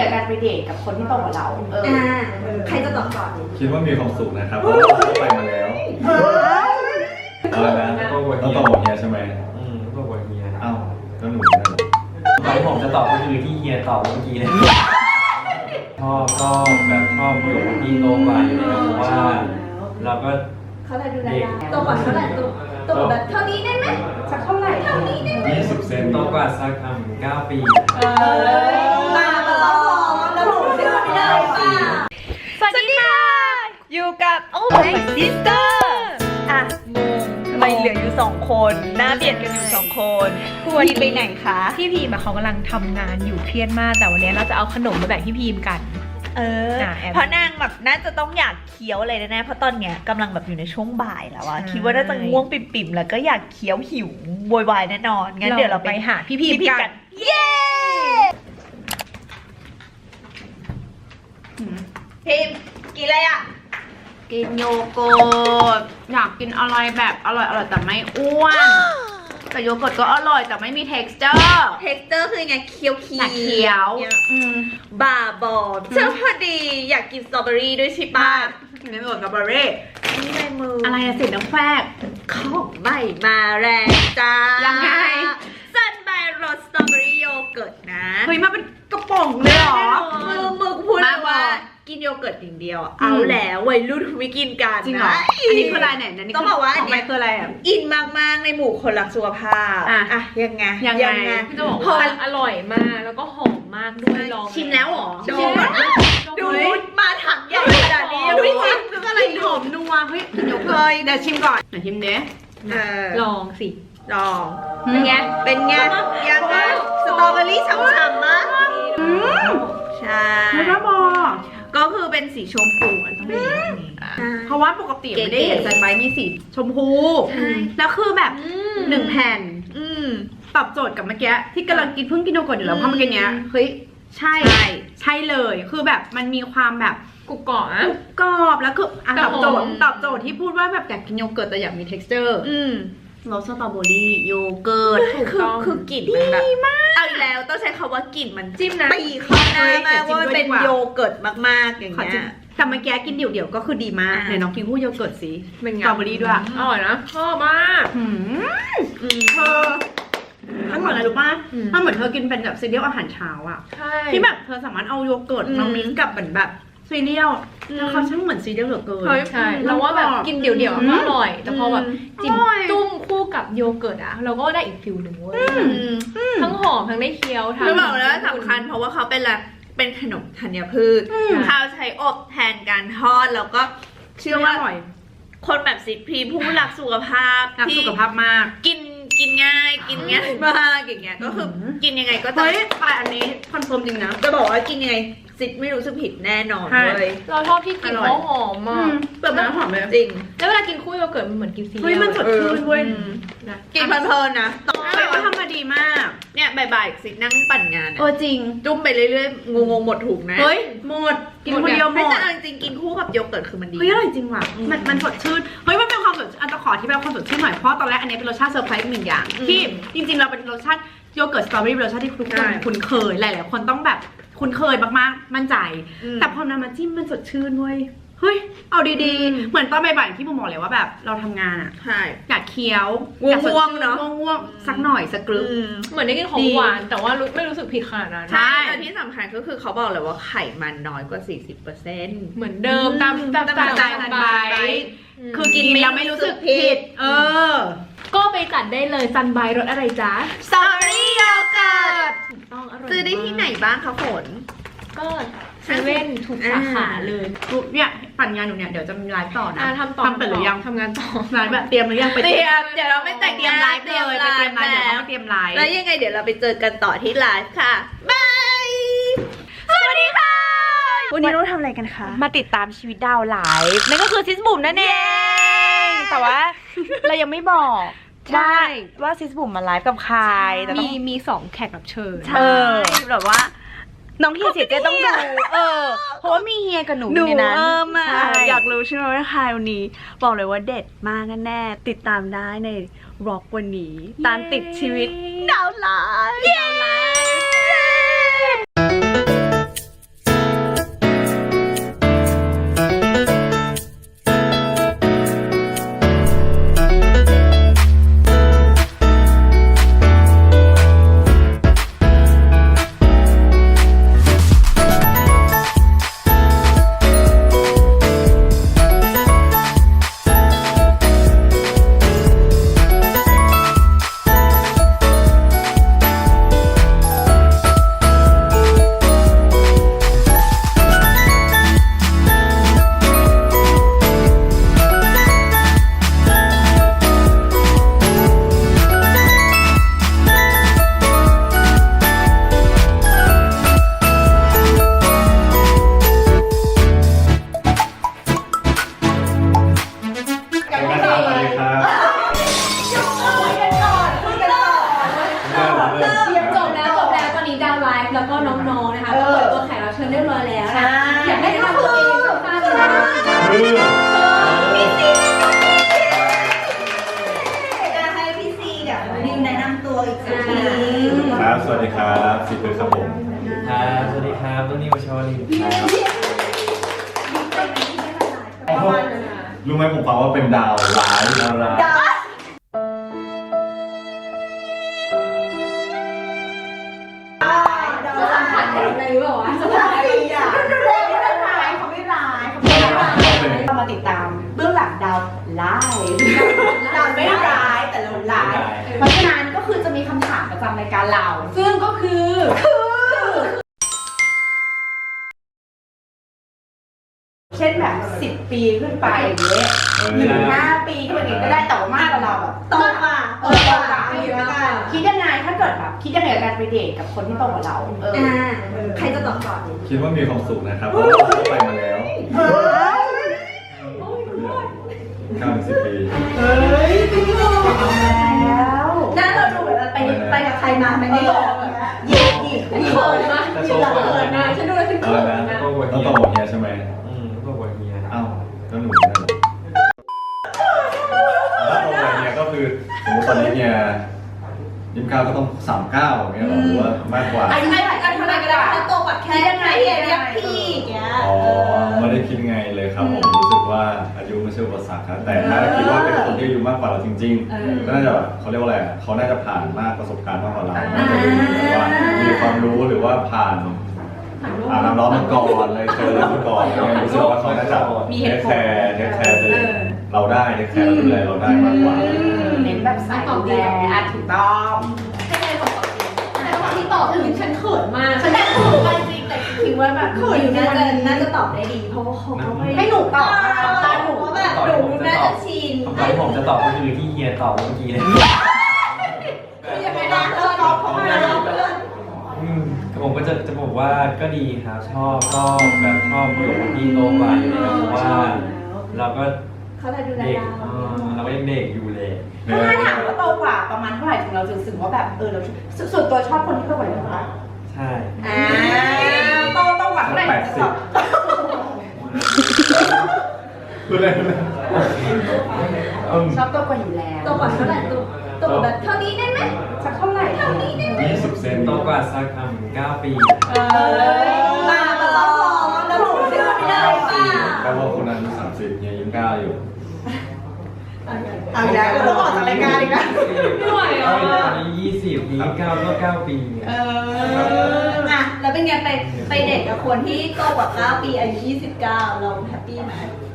การไปเดทกับคนที่โตกว่าเราใครจะตอบก่อนคิดว่ามีความสุขนะครับเพราะว่าเขาไปมาแล้วเอาละนะต้องตอบหมดเฮียใช่ไหมต้องบอกเฮียอ้าวแล้วหนูเนี่ยตอนที่ผมจะตอบก็คือที่เฮียตอบเมื่อกี้เลยชอบแบบชอบอยู่กับพี่โตกว่าอยู่แล้วเพราะว่าเราก็เขาได้ดูได้โตกว่าเท่าไหร่โตกว่าแบบเท่านี้ได้ไหมสักเท่าไหร่เท่านี้ได้ไหม 20 เซนโตกว่าสัก9 ปีมาแล้วเราถูกเชื่อไม่ได้ป่ะสวัสดีค่ะอยู่กับโอ้ยซิสเตอร์อ่ะทำไมเหลืออยู่2 คนหน้าเบียดกันอยู่2 คนพี่ไปไหนคะพี่พีมเขากำลังทำงานอยู่เครียดมากแต่วันนี้เราจะเอาขนมมาแบ่งพี่พีมกันเพราะนางแบบน่าจะต้องอยากเคี้ยวอะไรแน่ๆเพราะตอนเนี้ยกำลังแบบอยู่ในช่วงบ่ายแล้วอะคิดว่าน่าจะง่วงปิ่มๆแล้วก็อยากเคี้ยวหิวโวยวายแน่นอนงั้นเดี๋ยวเราไปหาพี่พีมกันเย้พิมกินอะไรอะกินโยเกิร์ตอยากกินอะไรแบบอร่อยแต่ไม่อ้วน แต่โยเกิร์ตก็อร่อยแต่ไม่มี texture คือไงเคี้ยวอยากเคี้ยวบ้าบอเจ้าพอดีอยากกินสตรอเบอรี่ด้วยใช่ปะกินไม่หมดกับเบอร์รี่นี่ในมืออะไรอะสิน้ำแฟกของใหม่มาแรงจ้ายังไงซันไบรสสตรอเบอรี่โยเกิร์ตนะเฮ้ยมาเป็นกระป๋องเลยเหรอมือพูดว่ากินโยเกิร์ตอย่างเดียวเอาแล้ววัยรุ่นไม่กินกันจริงเหรออันนี้คืออะไรไหนนี่ต้องบอกว่าอันนี้คืออะไรอ่ะอินมากๆในหมู่คนรักสุขภาพยังไงจะบอกว่าอร่อยมากแล้วก็หอมมากด้วยลองชิมแล้วหรอดูมาถังใหญ่ขนาดนี้ดูชิมคืออะไรหอมนัวเฮ้ยกินโยเกิร์ตเดี๋ยวชิมก่อนเดี๋ยวชิมเด้ลองสิลองเป็นไงยังไงสตรอเบอรี่ฉ่ำๆมากใช่ไม่บ้าบอก็คือเป็นสีชมพูต้องเป็นแบบนี้เพราะว่าปกติไม่ได้เห็นซันไบมีสีชมพูแล้วคือแบบ1 แผ่นตอบโจทย์กับเมื่อกี้ที่กำลังกินเพิ่งกินโยเกิร์ตอยู่แล้วเพราะเมื่อกี้เนี้ยเฮ้ยใช่เลยคือแบบมันมีความแบบกรุบกรอบนะกรอบแล้วคือตอบโจทย์ที่พูดว่าแบบอยากกินโยเกิร์ตแต่อยากมี texture รสสตรอเบอรี่โยเกิร์ตคือกลิ่นมันแบบเอาอีกแล้วต้องใช้คำว่ากลิ่นมันจิ้มนะตีเข้าหน้ามากว่าเป็นโยเกิร์ตมากๆอย่างเงี้ยแต่เมื่อกี้กินเดี่ยวๆก็คือดีมากไหนน้องกินคู่โยเกิร์ตสิเป็นไงสตรอเบอรี่ด้วยอร่อยนะชอบมากเธอมันเหมือนอะไรรู้ป่ะมันเหมือนเธอกินเป็นแบบซีเรียลอาหารเช้าอ่ะที่แบบเธอสามารถเอาโยเกิร์ตมามิกซ์กับแบบซีเรียลแล้วเขาช่างเหมือนซีเรียลเหลือเกินใช่เราว่าแบบกินเดี่ยวๆก็อร่อยแต่พอแบบจิ้มตุ้มคู่กับโยเกิร์ตอะเราก็ได้อีกฟิลหนึ่งเว้ยทั้งหอมทั้งได้เคี้ยวทั้งบอกแล้วสำคัญเพราะว่าเขาเป็นขนมธัญพืชเขาใช้อบแทนการทอดแล้วก็เชื่อว่าคนแบบซิดพีผู้รักสุขภาพที่สุขภาพมากกินง่ายมากอย่างเงี้ยก็คือกินยังไงก็จะแต่อันนี้คอนเฟิร์มจริงนะจะบอกว่ากินยังไงซิดไม่รู้สึกผิดแน่นอนเลยเราชอบที่กลิ่นเขาหอมมากแบบมันหอมเลยจริงแล้วเวลากินคู่โยเกิร์ตมันเหมือนกินซีเรียลเฮ้ยมันสดชื่นเว้ยกินเพลินๆนะก็ทำมาดีมากเนี่ยบ่ายๆซิดนั่งปั่นงานจริงจุ่มไปเรื่อยๆงงหมดถุงนะเฮ้ยหมดกินคนเดียวหมดแต่จริงกินคู่กับโยเกิร์ตคือมันดีเฮ้ยอร่อยจริงว่ะมันสดชื่นเฮ้ยมันเป็นความสดอันตะขอที่แบบความสดชื่นหน่อยเพราะตอนแรกอันนี้เป็นรสชาติเซอร์ไพรส์หนึ่งอย่างที่จริงๆเราเป็นรสชาติโยเกิร์ตสตรอเบอรี่เป็นรสชาติที่ทุกคนคุ้นเคยหลายๆคนต้องแบบคุ้นเคยมากๆมั่นใจแต่พอนำมาจิ้มมันสดชื่นเว้ยเฮ้ยเอาดีๆเหมือนตอนบ่ายๆที่ผมบอกเลยว่าแบบเราทำงานอ่ะอยากเคี้ยวง่วงเนาะง่วงสักหน่อยสักกรึ๊บเหมือนได้กินของหวานแต่ว่าไม่รู้สึกผิดขนาดนั้นใช่แต่ที่สำคัญก็คือเขาบอกเลยว่าไขมันน้อยกว่า 40% เหมือนเดิมตามใจทันใบคือกินแล้วไม่รู้สึกผิดก็ไปจัดได้เลยซันไบรสอะไรจ๊ะสตรอเบอรี่โยเกิร์ตซื้อได้ที่ไหนบ้างคะฝนก็เซเว่นทุกสาขาเลยเนี่ยปั่นงานหนูเนี่ยเดี๋ยวจะมีไลฟ์ต่อนะทำไปหรือยังทำงานต่อไลฟ์แบบเตรียมหรือยังไปเตรียมเดี๋ยวเราไม่แต่งเตรียมไลฟ์เลยไปเตรียมไลฟ์เดี๋ยวต้องเตรียมไลฟ์แล้วยังไงเดี๋ยวเราไปเจอกันต่อที่ไลฟ์ค่ะบายสวัสดีค่ะวันนี้เราทำอะไรกันคะมาติดตามชีวิตดาวไลฟ์นั่นก็คือซิสบุ๋มนั่นเองแต่ว่าเรายังไม่บอกว่าซิสบุ๋มมาไลฟ์กับใครแต่มี2 แขกรับเชิญแบบว่าน้องเฮียเสียใจต้องดูเพราะว่ามีเฮียกับหนูในนั้นอยากรู้ใช่ไหมว่าใครวันนี้บอกเลยว่าเด็ดมากแน่ติดตามได้ในร็อกวันนี้ตามติดชีวิตดาวไลฟ์จะให้พี่ซีกับนิวแนะนำตัวอีกสักทีครับสวัสดีครับสิบเลยครับผมครับสวัสดีครับต้นนิวชอลินครับรู้ไหมผมฟังว่าเป็นดาวร้ายดาวร้ายจะสัมผัสอะไรหรือเปล่าวะสบายดีอ่ะไม่ร้ายเขาไม่ร้ายเขาไม่ร้ายเรามาติดตามเบื้องหลังดาวร้ายดาวไม่ร้ายแต่เราร้าย เพราะฉะนั้นก็คือจะมีคำถามประจำรายการเรา ซึ่งก็คือเช่นแบบ10 ปีขึ้นไปอย่างเงี้ยหรือ5 ปีขึ้นไปก็ได้แต่ว่ามากกว่าเราแบบโตกว่าโตกว่าอยู่แล้วกันคิดยังไงถ้าเกิดแบบคิดยังไงกับการไปเดทกับคนที่โตกว่าเราใครจะตอบก่อนคิดว่ามีความสุขนะครับเพราะว่าผมก็ไปมาแล้ว90 ปีแล้วน่าเราดูแบบไปกับใครมาไม่ได้บอกหยิบเขินมากจะโตกว่าเขินนะฉันดูแล้วฉันเอาเขินละนะนะต้องโตกว่าเฮียใช่ไหมโตกว่าเฮียอ้าวแล้วหนูเนี่ยถ้าโตกว่าเฮียก็คือสมมติตอนนี้เฮีย29ก็ต้อง39อย่างเงี้ยหรือว่ามากกว่าอายุไม่กันเท่าไหร่ก็ได้ถ้าโตกว่าแค่ยังไงเรียกพี่อย่างเงี้ยอ๋อไม่ได้คิดไงเลยครับผมรู้สึกว่าอายุไม่ใช่อุปสรรคครับแต่ถ้าคิดว่าเป็นคนที่อายุมากกว่าเราจริงๆก็น่าจะแบบเขาเรียกว่าอะไรเขาน่าจะผ่านมากประสบการณ์มากกว่าเราน่าจะรู้หรือว่ามีความรู้หรือว่าผ่านน้ำร้อนมาก่อนเลยเจออะไรมาก่อนรู้สึกว่าเขาน่าจะเทคแคร์เราได้เทคแคร์ดูแลเราได้มากกว่าเน้นแบบสายดูแลถูกต้องให้ใครตอบก่อนดีแต่ตอนที่ตอบถึงฉันเขินมากฉันได้ถูกจริงแต่คิดว่าแบบอยู่น่าจะตอบได้ดีเพราะว่าเขาให้หนูตอบตาหนูแบบหนูน่าจะชินคำตอบที่ผมจะตอบก็คือที่เฮียตอบเมื่อกี้เลยยังไงนะตอบเขามาแล้วเพื่อนผมก็จะบอกว่าก็ดีครับชอบแบบชอบอยู่กับพี่โตกว่าอยู่แล้วเพราะว่าเราก็เขาเลยดูแลเด็กเราเราก็ยังเด็กอยู่เลยถ้าถามว่าโตกว่าประมาณเท่าไหร่ถึงเราจะรู้สึกว่าแบบเราส่วนตัวชอบคนที่โตกว่าเราไหมใช่โตกว่าเท่าไหร่พูดเลยชอบโตกว่าอยู่แล้วโตกว่าเท่าไหร่โตกว่าแบบเท่านี้ได้ไหมสักเท่าไหร่เท่านี้ได้ไหม 20 เซนโตกว่าสัก9 ปีมาแล้วแล้วหนูเชื่อไม่ได้ป่ะแปลว่าคนนั้น30เฮีย29อยู่เอาอีกแล้วเราต้องออกจากรายการอีกแล้วไม่ไหวอ่ะตอนนี้20ปี9ก็9 ปีเนี่ยแล้วเป็นไงไปเด็กกับคนที่โตกว่า9 ปีอายุ29เราแฮปปี้ไหม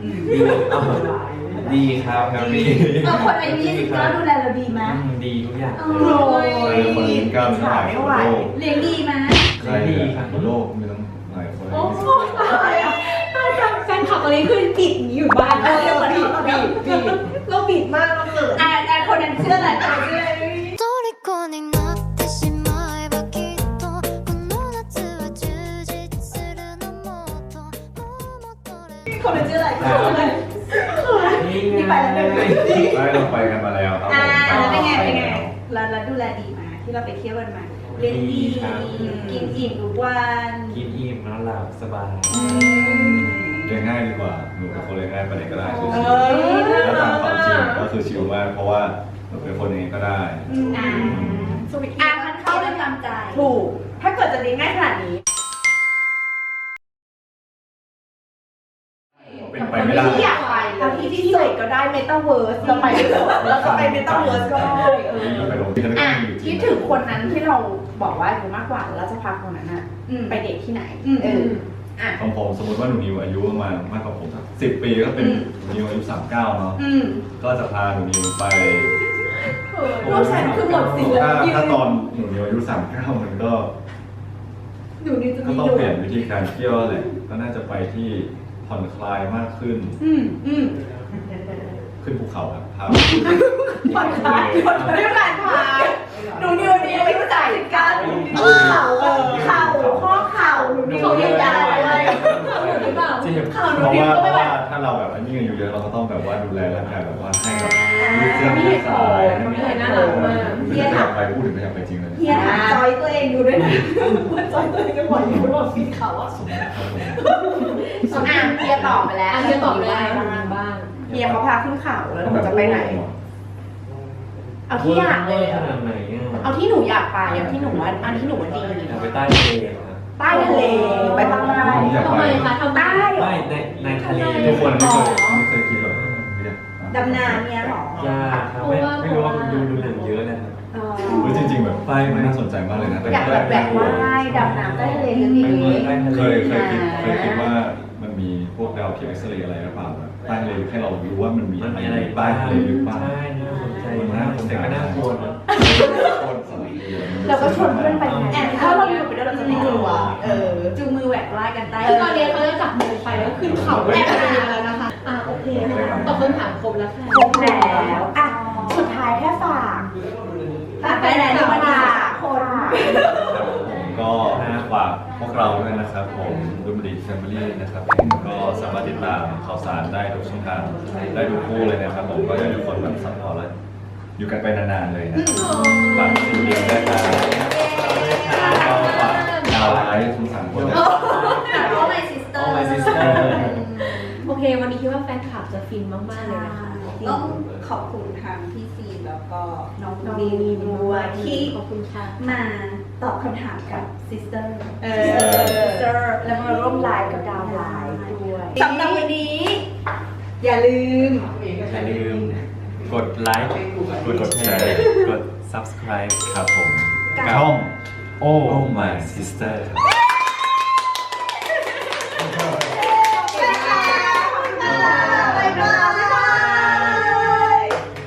ดีครับครับพี่คนอายุ29ดูแลเราดีไหมดีทุกอย่างโอ้ยคนอายุ29มีตั้งหลายคนบนโลกเลี้ยงดีไหมใครบนโลกมีตั้งหลายคนโอ้โหแฟนคลับตอนนี้คือติดอยู่บ้านเราบีบมากเราเกิดแต่คนนั้นเชื่ออะไรคนนั้นเชื่ออะไร虜になってしまえばきっとこの夏は充実するのもっともっとคนนั้นเชื่ออะไรคนนั้นนี่ไปแล้วเลยเราไปกันมาแล้วครับผมแล้วเป็นไงแล้วดูแลดีไหมที่เราไปเที่ยวกันมาเลี้ยงดีกินอิ่มทุกวันกินอิ่มนอนหลับสบายเลี้ยงง่ายดีกว่าหนูเป็นคนเลี้ยงง่ายไปไหนก็ได้ชิวๆแล้วตามความจริงก็คือชิวมากเพราะว่าหนูเป็นคนยังไงก็ได้สวิตมันเข้าได้ตามใจถูกถ้าเกิดจะเลี้ยงง่ายขนาดนี้เป็นไปไม่ได้ที่อยากไปแล้วที่สุดก็ได้เมตาเวิร์สเราไปที่สุดแล้วก็ไปเมตาเวิร์สก็ได้ไปลงที่นั่นก็มีอยู่จริคิงดถึงคนนั้นที่เราบอกว่าอายุมากกว่าแล้วจะพาคนนั้นอะไปเดทที่ไหนของผมสมมติว่าหนูนิวอายุประมาณมากกว่าผมสัก10 ปีก็เป็นหนูนิวอายุ39เนาะก็จะพาหนูนิวไปลูกฉันคือหมดสิทธิ์แล้วถ้าตอนหนูนิวอายุ39มันก็อยู่นี่จะก็มีต้องลูกเปลี่ยนวิธีการเที่ยวแหละก็น่าจะไปที่ผ่อนคลายมากขึ้นขึ้นภูเขาครับพาผ่อนคลายด้วยการพาหนูนิวนี่ไม่รู้จักกันเข่าข้อเข่าหนูนิวเขาเรีเรียยกกยาได้อะไรหรือเปล่าเจ็บเพราะว่าถ้าเราแบบอันนี้อายุเยอะเราก็ต้องแบบว่าดูแลร่างกายแบบว่าให้แบบยืดเส้นยืดสายให้มันน่ารักมากไม่อยากไปพูดถึงไม่อยากไปจริงเลยเฮียถามจอยตัวเองอยู่ด้วยนะว่าจอยตัวเองจะปล่อยอยู่บนฟีดเขาอะสมมติครับผมส่วนเฮียตอบไปแล้วเฮียตอบเลยบ้างเฮียเขาพาขึ้นเขาแล้วหนูจะไปไหน เอาที่อยากเลยขนาดไหนอ่ะเอาที่หนูอยากไปเอาที่หนูว่าอันที่หนูว่าดีอยากไปใต้ทะเลครับใต้ทะเลไปภาคใต้ผมอยากทำไปไมคะทำไมใต้เหรอไม่ในทะเลทุกคนไม่เคยคิดแบบอยากดำน้ำเนี่ยหรอยากครับไม่รู้ว่าดูหนังเยอะนะครับเฮ้ยจริงๆแบบไปมันน่าสนใจมากเลยนะอยากแบบแบบว่ายดำน้ำใต้ทะเลลึกอย่างนี้ใต้ทะเลเคยคิดว่ามันมีพวกดาวเทียมเอ็กซเรย์อะไรหรือเปล่าแบบใต้ทะเลลึกให้เรารู้ว่ามันมีมันอะไรมีอะไรใต้ทะเลลึกบ้างใช่น่าสนใจมากแต่ก็น่ากลัวนะเราก็ชวนเพื่อนไปไงถ้าเราอยู่ไปด้วยเราจะไม่กลัวจูงมือแหวกว่ายกันใต้คือตอนนี้เขาจะจับมือไปแล้วขึ้นเขาแอบไปแล้วนะคะโอเคตอบคำถามครบแล้วค่ะครบแล้วอ่ะสุดท้ายแค่ฝากไปไหนดีมาคนก็ฝากพวกเราด้วยนะครับผมดูมดีแฟมิลี่นะครับก็สามารถติดตามข่าวสารได้ทุกช่องทางได้ทุกคู่เลยนะครับผมก็อยากให้ทุกคนแบบซัพพอร์ตและอยู่กันไปนานๆเลยนะฝากซีรีส์ด้วยครับก็ฝากดาวไลฟ์ทั้งสามคนนะโอ้ my sister โอ้ my sister โอเค วันนี้คิดว่าแฟนคลับจะฟินมากๆเลยนะคะต้องขอบคุณทางพี่ซีแล้วก็น้องบีมด้วยที่ขอบคุณค่ะมาตอบคำถามกับ sister sister แล้วมาร่วมไลฟ์กับดาวไลฟ์ด้วยสำหรับวันนี้ อย่าลืมอย่าลืมกดไลค์กดแชร์กด subscribe ครับผมกับช่อง Oh my sister ครับ